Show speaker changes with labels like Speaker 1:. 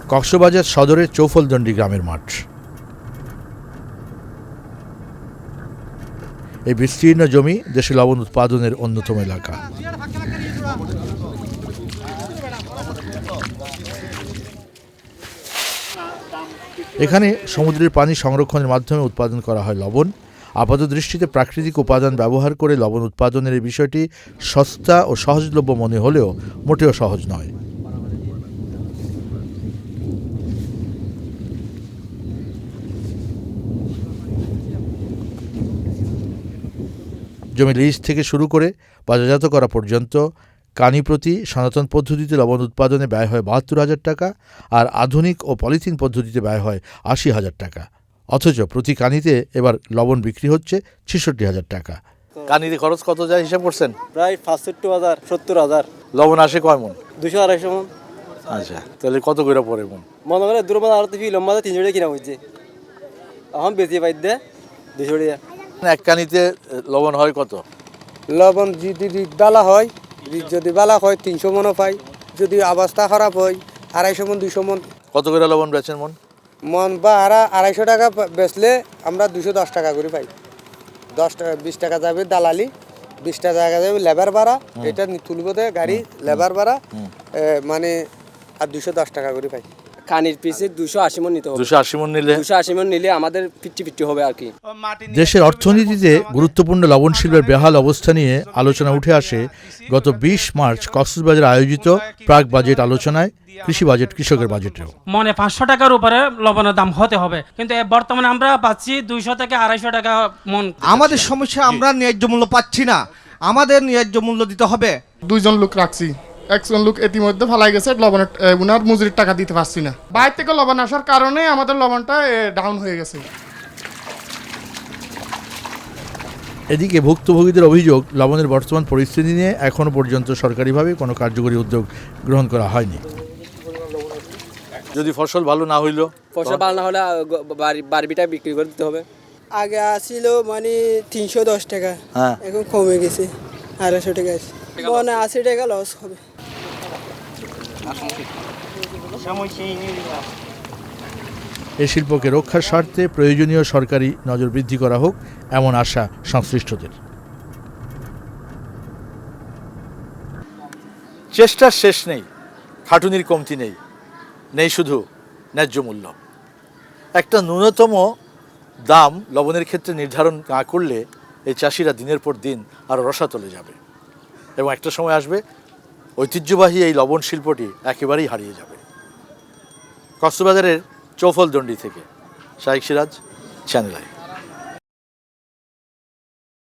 Speaker 1: কক্সবাজার সদরের চৌফলদণ্ডী গ্রামের মাঠ। এই বিস্তীর্ণ জমি দেশে লবণ উৎপাদনের অন্যতম এলাকা। এখানে সমুদ্রের পানি সংরক্ষণের মাধ্যমে উৎপাদন করা হয় লবণ। আপাতদৃষ্টিতে প্রাকৃতিক উপাদান ব্যবহার করে লবণ উৎপাদনের এই বিষয়টি সস্তা ও সহজলভ্য মনে হলেও মোটেও সহজ নয়। জমি লিজ থেকে শুরু করে বাজারজাত করা পর্যন্ত কানি প্রতি সনাতন পদ্ধতিতে লবণ উৎপাদনে ব্যয় হয় ৭২,০০০ টাকা, আর আধুনিক ও পলিথিন পদ্ধতিতে ব্যয় হয় ৮০,০০০ টাকা। অথচ প্রতি কানিতে এবার লবণ বিক্রি হচ্ছে ৬৬,০০০ টাকা। কানিতে খরচ কত যায় হিসাব করছেন?
Speaker 2: প্রায় ৬৫,০০০, ৭০,০০০।
Speaker 1: লবণ আসে কয় মন?
Speaker 2: ২০০-২৫০ মন।
Speaker 1: আচ্ছা, তাহলে কত করে পড়ে মন?
Speaker 2: মনে করে দুর্বল আর তো লম্বা ৩০০ টাকা কিনা হয়েছে, এখন বেশি পাই দে ২০০ টাকা।
Speaker 1: এক কানিতে লবণ হয় কত?
Speaker 3: লবণ যদি বালা হয়, যদি বালা হয় ৩০০ মনও পাই, যদি অবস্থা খারাপ হয় ২৫০ মন, ২০০ মন।
Speaker 1: কত করে লবণ বেচেন মন?
Speaker 3: মন বা ২৫০ টাকা বেচলে আমরা ২১০ টাকা করে পাই। 10 টাকা 20 টাকা যাবে দালালি, 20 টাকা যাবে লেবার ভাড়া, এটা তুলব দে গাড়ি লেবার ভাড়া, মানে আর ২১০ টাকা করে পাই।
Speaker 2: কানির পিসে ২৮০ মন নিতে হবে।
Speaker 1: ২৮০ মন নিলে
Speaker 2: ২৮০ মন নিলে আমাদের 50-50 হবে আর কি।
Speaker 1: দেশের অর্থনীতিতে গুরুত্বপূর্ণ লবণ শিল্পের বেহাল অবস্থা নিয়ে আলোচনা উঠে আসে গত ২০ মার্চ কক্সবাজারে আয়োজিত প্রাক বাজেট আলোচনায়, কৃষি বাজেট কৃষকের বাজেটেও।
Speaker 4: মনে ৫০০ টাকার উপরে লবণের দাম হতে হবে, কিন্তু বর্তমানে আমরা পাচ্ছি ২০০ থেকে ২৫০ টাকা মন। আমাদের
Speaker 5: সমস্যা, আমরা ন্যায্য মূল্য পাচ্ছি না, আমাদের ন্যায্য মূল্য দিতে হবে।
Speaker 6: ২ জন লোক রাখছি, একজন লোক ইতিমধ্যে ফালাই গেছে, লবণের উনার মজুরির টাকা দিতে পারছি না। বাইরে থেকে লবণ আসার কারণে আমাদের লবণটা ডাউন হয়ে গেছে।
Speaker 1: এদিকে ভুক্তভোগীদের অভিযোগ, লবণের বর্তমান পরিস্থিতি নিয়ে এখনও পর্যন্ত সরকারিভাবে কোনো কার্যকরী উদ্যোগ গ্রহণ করা হয়নি। যদি ফসল ভালো না হইল,
Speaker 2: ফসল ভালো না হলে বারবিটা বিক্রি করে দিতে হবে।
Speaker 7: আগে আসছিল মানে ৩১০ টাকা, এখন কমে গেছে ২৫০ টাকা আছে, মানে ৮০ টাকা লস হবে।
Speaker 1: এই শিল্পকে রক্ষার স্বার্থে প্রয়োজনীয় সরকারি নজর বৃদ্ধি করা হোক, এমন আশা সংশ্লিষ্টদের। চেষ্টার শেষ নেই, খাটুনির কমতি নেই, নেই শুধু ন্যায্য মূল্য। একটা ন্যূনতম দাম লবণের ক্ষেত্রে নির্ধারণ না করলে এই চাষিরা দিনের পর দিন আরও রসাতলে যাবে, এবং একটা সময় আসবে ঐতিহ্যবাহী এই লবণ শিল্পটি একেবারেই হারিয়ে যাবে। কক্সবাজারের চৌফলদণ্ডী থেকে শাইখ সিরাজ, চ্যানেল আই।